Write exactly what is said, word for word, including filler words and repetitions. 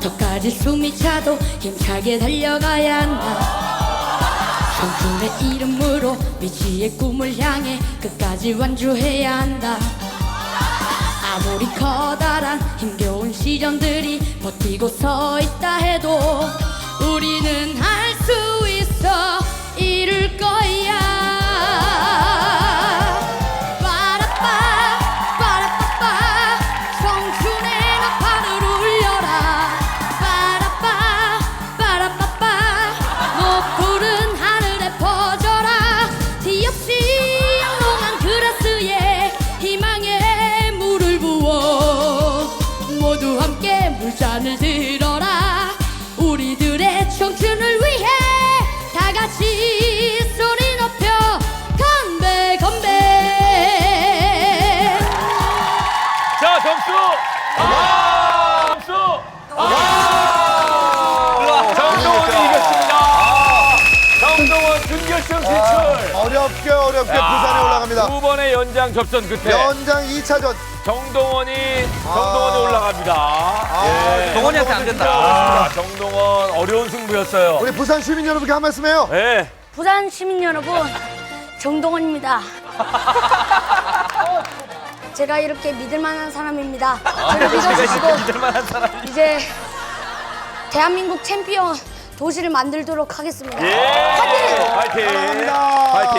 저까지 숨이 차도 힘차게 달려가야 한다. 청춘의 이름으로 미지의 꿈을 향해 끝까지 완주해야 한다. 아무리 커다란 힘겨운 시련들이 버티고 서 있다 해도 우리는 할 수 있어 이룰 거야. 빠라빠 빠라빠빠 청춘의 나팔을 울려라. 빠라빠 빠라빠빠 높푸른 하늘에 퍼져라. 뒤없이 영롱한 그라스에 희망의 물을 부어 모두 함께 물잔을 들어라. 우리들의 청춘을 위해 다 같이 소리 높여 건배 건배. 자, 점수! 아! 점수! 아! 정동원이 이겼습니다. 정동원 준결승 진출. 어렵게 어렵게 부산에 올라갑니다. 두 번의 연장 접전 끝에 연장 이 차전. 정동원이 정동원이 올라갑니다. 예. 동원이한테 안 된다. 아, 정동원 어려운 승부였어요. 우리 부산 시민 여러분께 한 말씀 해요. 예. 부산 시민 여러분, 정동원입니다. 제가 이렇게 믿을 만한 사람입니다. 저를 믿어주시고 이제 대한민국 챔피언 도시를 만들도록 하겠습니다. 예. 파이팅! 사랑합니다. 파이팅!